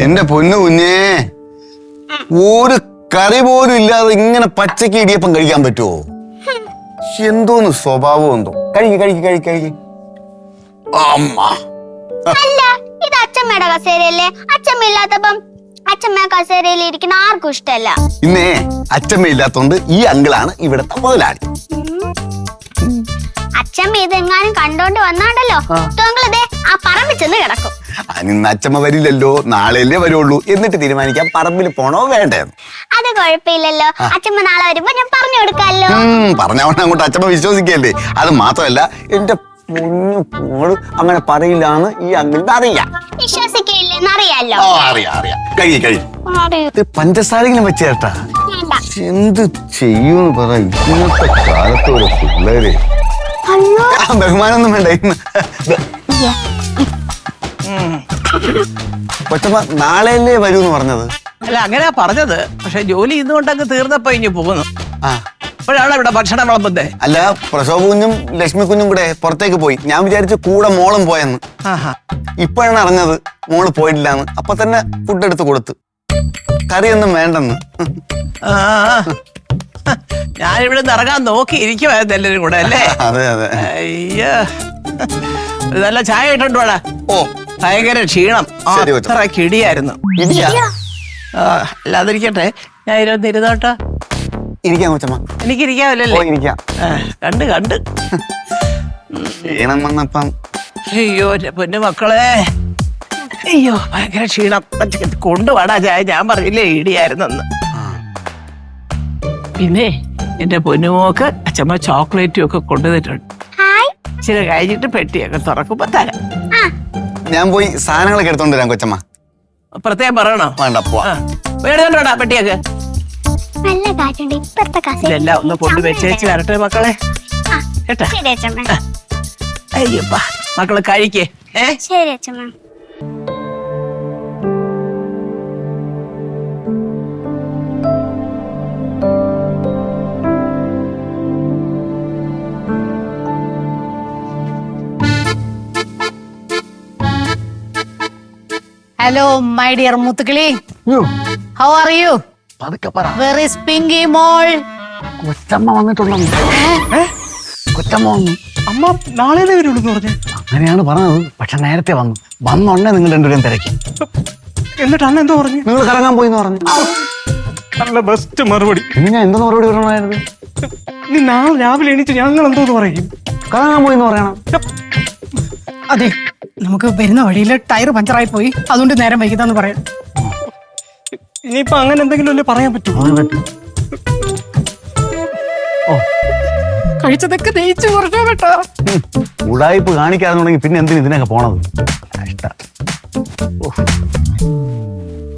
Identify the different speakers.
Speaker 1: എന്റെ പൊന്നു കുഞ്ഞേ, ഒരു കറി പോലും ഇല്ലാതെ ഇങ്ങനെ പച്ചക്ക് ഇടിയപ്പം കഴിക്കാൻ പറ്റുമോ? എന്തോന്ന് സ്വഭാവം എന്തോ. കഴിക്ക്. അമ്മ
Speaker 2: അല്ല, ഇത് അച്ഛമ്മയുടെ കസേരയല്ലേ? അച്ഛമ്മ ഇല്ലാത്തപ്പം അച്ഛമ്മ കസേരയിൽ ഇരിക്കുന്ന ആർക്കും ഇഷ്ടമല്ല.
Speaker 1: ഇന്നേ അച്ഛമ്മ ഇല്ലാത്തോണ്ട് ഈ അങ്കിളാണ് ഇവിടത്തെ മുതലാളി.
Speaker 2: അച്ഛമ്മ ഇതെങ്ങാനും കണ്ടോണ്ട് വന്നാണ്ടല്ലോ, അതെ ആ പറമ്പിൽ ചെന്ന് കിടക്കും.
Speaker 1: ഇന്ന് അച്ഛമ്മ വരില്ലല്ലോ, നാളെയല്ലേ വരുള്ളൂ. എന്നിട്ട് തീരുമാനിക്കാം പറമ്പിൽ പോണോ വേണ്ടേന്ന്.
Speaker 2: അത് കുഴപ്പമില്ലല്ലോ, അച്ഛമ്മ നാളെ വരുമ്പോ ഞാൻ പറഞ്ഞു കൊടുക്കാമല്ലോ.
Speaker 1: പറഞ്ഞവണ്ണം അങ്ങോട്ട് അച്ഛമ്മ വിശ്വസിക്കല്ലേ. അത് മാത്രമല്ല, എന്റെ പൊന്നു മോള് അങ്ങനെ പറയില്ലാന്ന് ഈ അങ്കിളിന് അറിയാം.
Speaker 2: വിശ്വസിക്കില്ലെന്ന് അറിയാലോ.
Speaker 1: അറിയാം. കഴി പഞ്ചസാരങ്കിലും വെച്ചേട്ടാ. എന്ത് ചെയ്യൂന്ന് പറ. ഇന്നത്തെ കാലത്ത് ഒരു പിള്ളേര് ബഹുമാനൊന്നും വേണ്ട. കൊച്ചമ്മ നാളെയല്ലേ വരൂന്ന് പറഞ്ഞത്?
Speaker 3: അല്ല, അങ്ങനെയാ പറഞ്ഞത്. പക്ഷെ ജോലി ഇന്നുകൊണ്ടങ്ങ് തീർന്നപ്പോ ഇനി പോകുന്നു. അപ്പോഴാണ് ഇവിടെ ഭക്ഷണം വിളമ്പുന്നേ.
Speaker 1: അല്ല, പ്രസവ കുഞ്ഞും ലക്ഷ്മി കുഞ്ഞും കൂടെ പുറത്തേക്ക് പോയി. ഞാൻ വിചാരിച്ചു കൂടെ മോളും പോയെന്ന്. ഇപ്പോഴാണ് അറിഞ്ഞത് മോള് പോയിട്ടില്ലാന്ന്. അപ്പൊ തന്നെ ഫുഡ് എടുത്ത് കൊടുത്തു. കറിയൊന്നും വേണ്ടെന്ന്.
Speaker 3: ഞാനിവിടെ നിന്ന് ഇറങ്ങാൻ നോക്കി ഇരിക്കുവായിരുന്നു എല്ലാരും കൂടെ അല്ലേ?
Speaker 1: അതെ.
Speaker 3: അയ്യോ, നല്ല ചായ ഇട്ടുണ്ടോടാ.
Speaker 1: ഓ,
Speaker 3: ഭയങ്കര ക്ഷീണം. അത്ര കിടിയായിരുന്നു. അല്ലാതിരിക്കട്ടെ, ഞാൻ ഇരുന്ന് ഇരുന്നോട്ടോ.
Speaker 1: ഇരിക്കാം കൊച്ചമ്മ.
Speaker 3: എനിക്കിരിക്കാമല്ലോ.
Speaker 1: ഇരിക്കാം.
Speaker 3: കണ്ട്
Speaker 1: ക്ഷീണം വന്നപ്പം.
Speaker 3: അയ്യോ പൊന്നു മക്കളെ, അയ്യോ ഭയങ്കര ക്ഷീണം. കൊണ്ടുപോടാ ചായ. ഞാൻ പറഞ്ഞില്ലേ ഇടിയായിരുന്നെന്ന്. പിന്നെ എന്റെ പൊന്നുമോക്ക് അച്ഛമ്മ ചോക്ലേറ്റും ഒക്കെ കൊണ്ടുവന്നിട്ടുണ്ട്. ഇച്ചിരി കഴിഞ്ഞിട്ട് പെട്ടിയൊക്കെ തുറക്കുമ്പോ തരാം.
Speaker 1: ഞാൻ പോയി സാധനങ്ങളൊക്കെ എടുത്തോണ്ട് വരാം കൊച്ചമ്മ.
Speaker 3: പ്രത്യേകം പറയണോ?
Speaker 1: വേണ്ട,
Speaker 3: എടുത്തോണ്ടാ പെട്ടിയൊക്കെ.
Speaker 2: നല്ല കാറ്റുണ്ട് ഇപ്പത്തെ കസേര.
Speaker 3: ഇതെല്ലാം ഒന്ന് കൊണ്ടുവച്ചേച്ച് വരട്ടെ മക്കളെ. കേട്ടാ? അയ്യപ്പാ, മക്കള് കഴിക്കേ.
Speaker 2: ശരി അച്ഛമ്മ.
Speaker 4: Hello, my dear Muthukali. How are you? Where is Pinky Mole?
Speaker 1: കൊച്ചമ്മ വന്നിട്ടുണ്ടോ? കൊച്ചമ്മ വന്നു.
Speaker 3: അമ്മ നാളെ വരുള്ളൂ പറഞ്ഞു.
Speaker 1: അങ്ങനെയാണ് പറഞ്ഞത്. പക്ഷെ നേരത്തെ വന്നോണ്ടേ നിങ്ങൾ രണ്ടുപേരും തിരക്കി.
Speaker 3: എന്നിട്ട് അന്ന് എന്തോ പറഞ്ഞു?
Speaker 1: നിങ്ങൾ കറങ്ങാൻ പോയിന്ന് പറഞ്ഞു.
Speaker 3: നല്ല ബെസ്റ്റ് മറുപടി.
Speaker 1: പിന്നെ ഞാൻ എന്തോ മറുപടി പറയണമായിരുന്നു?
Speaker 3: നീ നാളെ രാവിലെ എണീറ്റ് ഞങ്ങൾ എന്തോന്ന് പറയും?
Speaker 1: കറങ്ങാൻ പോയിന്ന് പറയണം.
Speaker 4: അതെ, നമുക്ക് വരുന്ന വഴിയിൽ ടയർ പഞ്ചറായി പോയി, അതുകൊണ്ട് നേരം വൈകിതാന്ന് പറയാം.
Speaker 3: ഇനിയിപ്പോ അങ്ങനെ എന്തെങ്കിലും അല്ലേ പറയാൻ പറ്റുമോ?
Speaker 4: കഴിച്ചതൊക്കെ ദഹിച്ചു കുറച്ചോ കേട്ടോ.
Speaker 1: ഉടായ്പ് കാണിക്കാതെ തുടങ്ങി പിന്നെ എന്തിനു ഇതിനൊക്കെ പോണത്?